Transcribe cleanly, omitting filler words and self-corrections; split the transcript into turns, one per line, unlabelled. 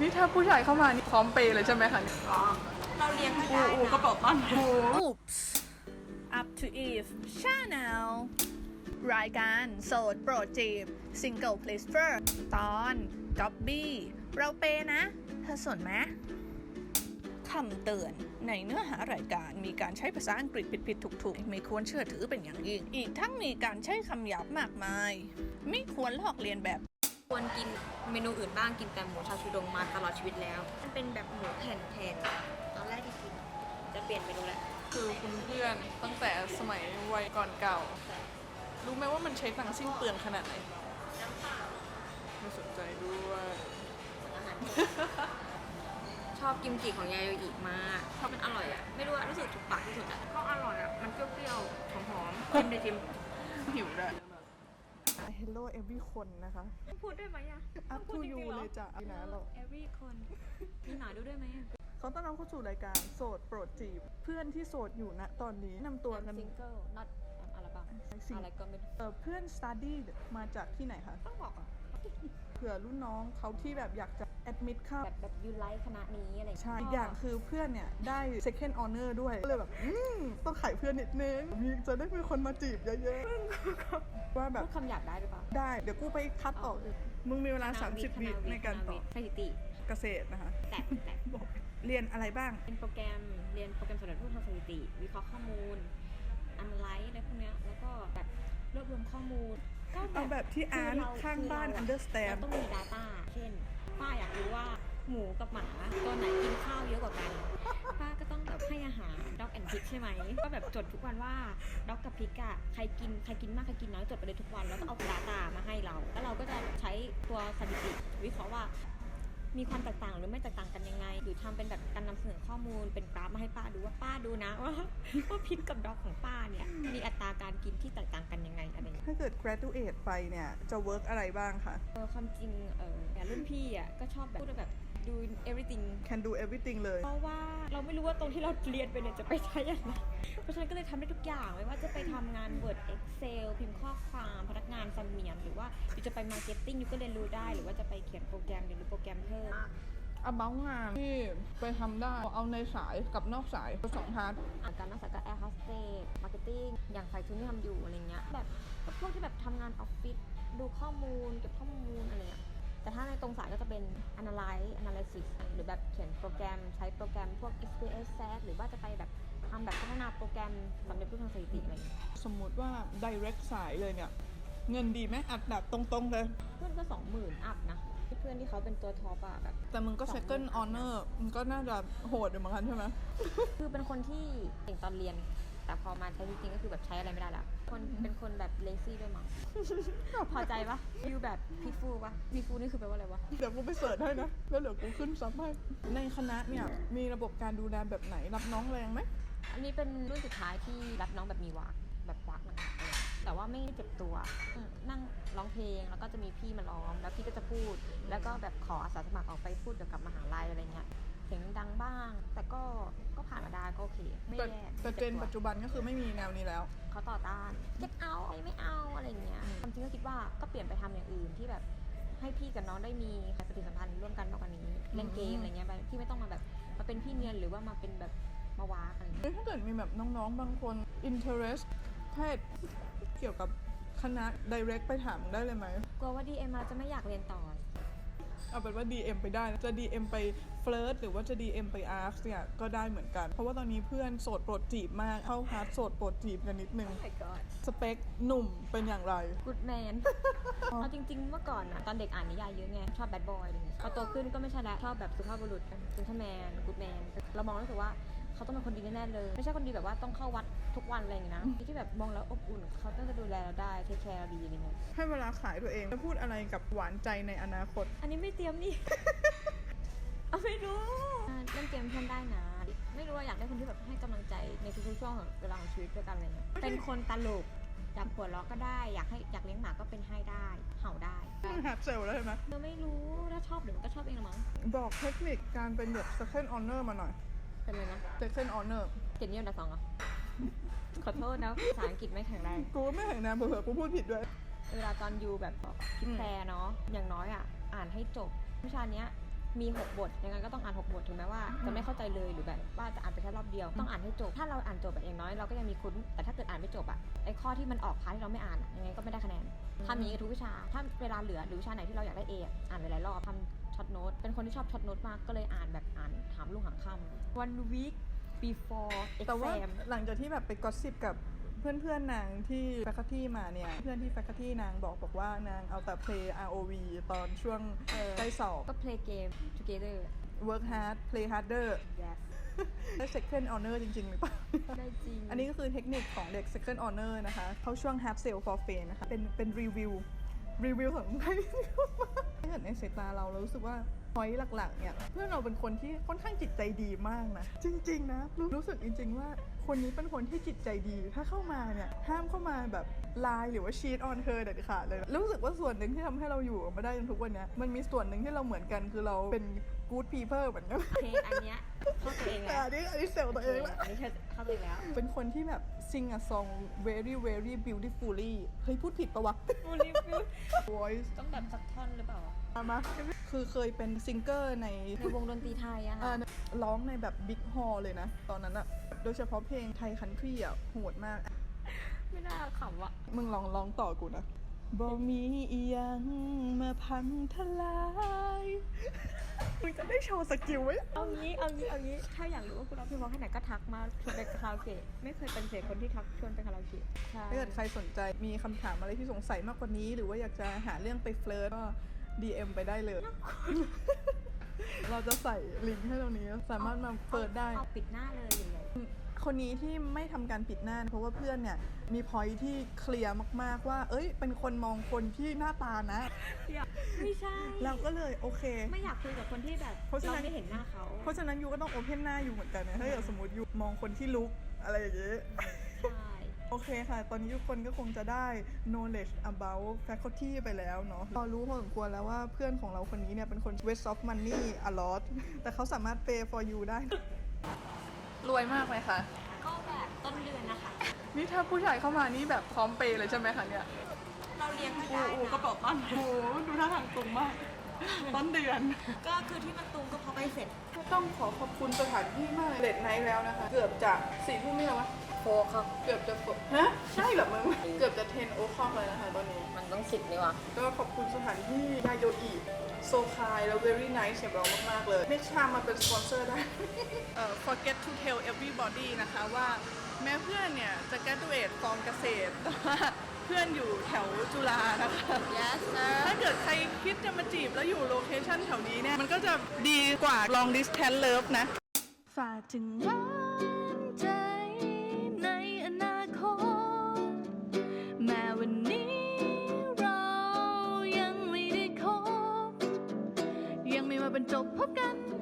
นี่ถ้าผู้ชายเข้ามานี่พร้อมเปย์เลยใช่ไหมคะอ๋อ
เราเลี้ยงก็ได้นะ
กระเป๋าตังค์
Oops Up to Eve Channel รายการโสดโปรดจีบ Single Please First ตอนก๊อบบี้เราเปนะ เธอสนไหมคำเตือนในเนื้อหารายการมีการใช้ภาษาอังกฤษผิดๆถูกๆไม่ควรเชื่อถือเป็นอย่างยิ่งอีกทั้งมีการใช้คำหยาบมากมายไม่ควรลอกเลียนแบบ
ควรกินเมนูอื่นบ้างกินแต่หมูชาชูดงมาตลอดชีวิตแล้วมันเป็นแบบหมูแผ่นแทนตอนแรกที่กินจะเปลี่ยนเมนูแล้ว
คือคุณเพื่อนตั้งแต่สมัยวัยก่อนเก่ารู้ไหมว่ามันใช้ตังค์สิ้นเปลืองขนาดไหนไม่สนใจด้วย
ชอบกิมจิของยาโยอิมากเพราะมันอร่อยอ่ะไม่รู้ว่ารู้สึกถูกปากที่สุดอ่ะก็อร่อยอ่ะมันเปรี้ยวๆหอมๆชิมเลยชิม
หิวได้ Hello every คนนะคะ
พูดได้ไหมอ่ะ
Up to you เลยจ้ะพี่นะเรา
every คนมีหน่อยดูได้ไหมอ่ะ
เขาต้อนรับเข้าสู่รายการโสดโปรดจีบเพื่อนที่โสดอยู่ณตอนนี้นำตัวกัน
single not อะไรบ้างอะไรก็ไม่
เพื่อน study มาจากที่ไหนคะ
ต้องบอกอ่ะ
เผื่อรุ่นน้องเขาที่แบบอยากจะ admit เข้า
แบบยูไลค์คณะนี้อะไร
ใช่อีกอย่างคือเพื่อนเนี่ยได้ second honor ด้วยก็เลยแบบต้องขายเพื่อนนิดนึงจะได้มีคนมาจีบเยอะๆว่าแบบ
พูดคำหยาบได้หรือเปล่า
ได้เดี๋ยวกูไปคัดออกมึงมีเวลา30 วิในการตอบ
สถิติ
เกษตรนะคะ
แต่
เรียนอะไรบ้าง
เรียนโปรแกรมสำหรับผู้ทำสถิติวิเคราะห์ข้อมูลanalyze อะไรพวกเนี้ยแล้วก็แบบรวบรวมข้อมูล
เอาแบบที่อ่านข้างบ้าน understand
เราต้องมี data เช่นป้าอยากรู้ว่าหมูกับหมาตัวไหนกินข้าวเยอะกว่ากันป้าก็ต้องแบบให้อาหาร dog and pig ใช่ไหมก็แบบจดทุกวันว่า dog กับ pig อะใครกินมากใครกินน้อยจดไปเลยทุกวันแล้วก็เอา data มาให้เราแล้วเราก็จะใช้ตัวสถิติวิเคราะห์ว่ามีความแตกต่างหรือไม่แตกต่างกันยังไงหรือทำเป็นแบบการนำเสนอข้อมูลเป็นกราฟมาให้ป้าดูว่าป้าดูนะว่าพิษกับด็อกของป้าเนี่ยมีอัตราการกินที่แตกต่างกันยังไงอะไร
ถ้าเกิด graduate ไปเนี่ยจะ work อะไรบ้างคะ
ความจริงแต่รุ่นพี่อ่ะก็ชอบแบบพูดแบบdo everything
can do everything เลย
เพราะว่าเราไม่รู้ว่าตรงที่เราเรียนไปเนี่ยจะไปใช้อะไรเพราะฉะนั้นก็เลยทำได้ทุกอย่างไม่ว่าจะไปทำงาน Word Excel พิมพ์ข้อความพนักงานเสมียนหรือว่าจะไป marketing อยู่ก็เรียนรู้ได้หรือว่าจะไปเขียนโปรแกรมเรียนรู้โปรแกรมเพิ่ม
about งานที่ไปทำได้เอาในสายกับนอกสายสองพาร์ท
การนอกสายก็ Air Hostess Marketing อย่างฝ่ายทุนที่ทำอยู่อะไรเงี้ยแบบพวกที่แบบทำงานออฟฟิศดูข้อมูลเก็บข้อมูลอะไรเงี้ยแต่ถ้าในตรงสายก็จะเป็น analysis หรือแบบเขียนโปรแกรมใช้โปรแกรมพวก SPSS หรือว่าจะไปแบบทำแบบพัฒนาโปรแกรมสำเร็จรูปทางสถิติอะไร
สมมุติว่า direct สายเลยเนี่ยเงินดีไหมอัดแบบตรงๆเลย
เพื่อนก็ 20,000 อัพนะเพื่อนที่เขาเป็นตัวท็อปอะแบบ
แต่มึงก็ second honor มึงก็น่าจะโหดอยู่เหมือนกันใช่ไหม
คือเป็นคนที่เก่งตอนเรียนแต่พอมาใช้จริงๆก็คือแบบใช้อะไรไม่ได้แล้วเป็นคนแบบ lazy ด้วยมั้งพอใจปะยูแบบพีฟูปะพีฟูนี่คือแปลว่าอะไรวะ
เดี๋ยวกูไปเสิร์ชให้นะแล้วเดี๋ยวกูขึ้นซับให้ในคณะเนี่ยมีระบบการดูแลแบบไหนรับน้องแรงไหม
อันนี้เป็นรุ่นสุดท้ายที่รับน้องแบบมีวักแบบวักหนักๆเลยแต่ว่าไม่เจ็บตัวนั่งร้องเพลงแล้วก็จะมีพี่มาร้องแล้วพี่ก็จะพูดแล้วก็แบบขออาสาสมัครออกไปพูดเกี่ยวกับมหาลัยอะไรเงี้ยเสียงดังบ้างแต่ก็ผ่านมาได้ก็โอเคไม่แย่
แต่เจนปัจจุบันก็คือไม่มีแนวนี้แล้ว
เขาต่อต้านเก็ตเอาไม่เอาอะไรเงี้ยความจริงก็คิดว่าก็เปลี่ยนไปทำอย่างอื่นที่แบบให้พี่กับน้องได้มีปฏิสัมพันธ์ร่วมกันมากกว่านี้เล่นเกมอะไรเงี้ยที่ไม่ต้องมาแบบมาเป็นพี่เนียนหรือว่ามาเป็นแบบมาวาอะไรเงี้ย
ถ้าเกิดมีแบบน้องๆบางคน interest เพศเกี่ยวกับคณะ direct ไปถามได้เลยไหม
กลัวว่า DM เราจะไม่อยากเรียนต่อ
เอาเป็นว่า DM ไปได้จะ DM ไปเฟลิร์ตหรือว่าจะ DM ไปอาร์คเนี่ยก็ได้เหมือนกันเพราะว่าตอนนี้เพื่อนโสดโปรดจีบมากเข้าฮาร์ดโสดโปรดจีบกันนิดนึง
oh my god
สเปคหนุ่มเป็นอย่างไร
good man เอาจริงๆเมื่อก่อนอะตอนเด็กอ่านนิยายเยอะไงชอบ bad boy อะไรเงี้ยพอโตขึ้นก็ไม่ใช่แล้วชอบแบบสุภาพบุรุษ gentleman good man เรามองรู้สึกว่าเขาต้องเป็นคนดีแน่ๆเลยไม่ใช่คนดีแบบว่าต้องเข้าวัดทุกวันอะไรอย่างงี้นะที่แบบมองแล้วอบอุ่นเขาต้องจะดูแลเราได้เทคแคร์ดีอะไรเงี้ย
ให้เวลาขายตัวเองจะพูดอะไรกับหวานใจในอนาคต
อันนี้ไม่เตรียมนี่ เอาไม่รู้เล่นเกมเพื่อนได้นะไม่รู้ว่าอยากได้คนที่แบบให้กำลังใจในทุกๆช่วงของเวลาของชีวิตด้วยกันอะไรเงี้ยเป็นคนตลกอยากหัวเราะก็ได้อยากเลี้ยงหมาก็เป็นให้ได้เห่าได้
หัดเซลแล้วใช่ไหม
เราไม่รู้ถ้าชอบเดี๋ยวมันก็ชอบเองละมั้ง
บอกเทคนิคการเป็นแบบ second honor มาหน่อย
เป็นเลยนะ
second honor
เกียรตินิยมอันดับ 2เหรอ ขอโทษนะภาษาอังกฤษไม่แข็งแรง
กูไม่แข็งแรงเผื่อกูพูดผิดด้วย
เวลาตอนอยู่แบบคิดแพรเนาะอย่างน้อยอ่ะอ่านให้จบวิชาเนี้ยมี 6 บทยังไงก็ต้องอ่าน 6 บทถึงแม้ว่าจะไม่เข้าใจเลยหรือแบบว่าจะอ่านไปแค่รอบเดียวต้องอ่านให้จบถ้าเราอ่านจบแบบอย่างน้อยเราก็ยังมีคุ้นแต่ถ้าเกิดอ่านไม่จบอะไอ้ข้อที่มันออกพาร์ทที่เราไม่อ่านยังไงก็ไม่ได้คะแนนทำอย่างนี้กับทุกวิชาถ้าเวลาเหลือหรือวิชาไหนที่เราอยากได้ A อ่านหลายๆรอบทำช็อตโน้ตเป็นคนที่ชอบช็อตโน้ตมากก็เลยอ่านแบบอ่านถามลูกหางค่ำ one week before
แต่ว่า
exam
หลังจากที่แบบไปกอสซิปกับเพื่อนๆนางที่แฟคตี้มาเนี่ย เพื่อนที่แฟคตี้นางบอกว่านางเอาแต่ play ROV ตอนช่วงใกล้สอบ
ก็ play game together
work hard play harder
yes
ได้ second honor จริงๆหรือเปล่า
ได้จริง
อันนี้ก็คือเทคนิคของเด็ก second honor นะคะ เข้าช่วง hard sell for fame นะคะ เป็นรีวิวของใครที่ถ้าเกิดในสายตาเรารู้สึกว่า point หลักๆเนี่ยเพื่อนเราเป็นคนที่ค่อนข้างจิตใจดีมากนะ จริงๆนะรู้สึกจริงๆว่าคนนี้เป็นคนที่จิตใจดี ถ้าเข้ามาเนี่ยห้ามเข้ามาแบบไลน์หรือว่าชีทออนเธอเด็ดขาดเลยรู้สึกว่าส่วนหนึ่งที่ทำให้เราอยู่มาได้จนทุกวันนี้มันมีส่วนหนึ่งที่เราเหมือนกันคือเราเป็น good people เหมือนกัน
เพลงอันเนี้ยเข้าตัวเองแล้ว
อันนี้เซลตัวเองละ
อันนี้เข้าตัวเองแล้ว
เป็นคนที่แบบ sing a song very very beautifully เฮ้ยพูดผิดปะวะ
บูลลี่
voice
ต้องแบบสักท่อนหรือเปล่า
มาคือเคยเป็นซิงเกอร์ใน
ในวงดนตรีไทยอะค่ะ
ร้องในแบบบิ๊กฮอลเลยนะ ตอนนั้นอะโดยเฉพาะเพลงไทยคันทรีอะโหดมาก
ไม่น่าขำอะ
มึงลองร้องต่อกูนะบ่มีอีหยังมาพังทลายมึงจะได้โชว์สกิลไว้
เอางี้ถ้าอยากรู้ว่าคุณร้องเพลงเพราะแค่ไหนก็ทักมาชวนไปคาราโอเกะไม่เคยเป็นเสียคนที่ทักชวนไปคาราโอเกะใช่
ถ้าเกิดใครสนใจมีคำถามอะไรที่สงสัยมากกว่านี้ หรือว่าอยากจะหาเรื่องไปเฟลิร์ตก็ DM ไปได้เลย เราจะใส่ลิงก์ให้ตรงนี้สามารถมาเปิดได้
เอาปิดหน้าเลยใหญ่
คนนี้ที่ไม่ทำการปิดหน้าเพราะว่าเพื่อนเนี่ยมีพอยที่เคลียร์มากๆว่า เอ้ยเป็นคนมองคนที่หน้าตานะ
ๆไม่ใช่
เราก็เลยโอเค
ไม่อยากคุยกับคนที่แบบ
เพราะฉะนั้น
เราไม่เห็นหน้าเขา
เพราะฉะนั้นยูก็ต้องโอเพนหน้าอยู่เหมือนกันนะถ้าเกิดสมมติยูมองคนที่ลุกอะไรอย่างเงี้ย
ใช่
โอเคค่ะ ตอนนี้ทุกคนก็คงจะได้ knowledge about faculty ไปแล้วเนาะเรารู้พอสมควรแล้วว่าเพื่อนของเราคนนี้เนี่ยเป็นคน waste of money a lot แต่เขาสามารถ pay for you ได้ รวยมากไหมคะ
ก็แบบต้นเดือนนะคะ
นี่ถ้าผู้ชายเข้ามานี่แบบพร้อมเปย์เลยใช่ไหมคะเนี่ย
เราเลี้ยงไม่ได้
โอ้กระเป๋าตังค์โอ้ดูท่าทางตุงมาก ต้นเดือน
ก็คือที่มันตุงก็เพราะไปเสร็จ
ต้องขอขอบคุณสถานที่มากเลดไนท์แล้วนะคะ เกือบจะ4 ทุ่มนี่แล้ววะ
โฟครับ
เกือบจะฮะ ใช่เหรอมึง เกือบจะ10 o'clock เลยนะคะตอนนี้
มันต้อง10นี่วะ
ก็ขอบคุณสถานที่ยาโยอิโซคายแล้ว very nice สำหรับเรามากๆเลยเมกชามาเป็นสปอนเซอร์ได้ forget to tell everybody นะคะว่าแม้เพื่อนเนี่ยจะ graduate กองเกษตรแต่ว่าเพื่อนอยู่แถวจุฬานะคะ
yes sir
ถ้าเกิดใครคิดจะมาจีบแล้วอยู่โลเคชั่นแถวนี้เนี่ย มันก็จะดีกว่า long distance love นะ ฝากถึงหวานใจในอนาคต แม้วันนี้เรายังไม่ได้คบ ยังไม่มาบรรจบพบกัน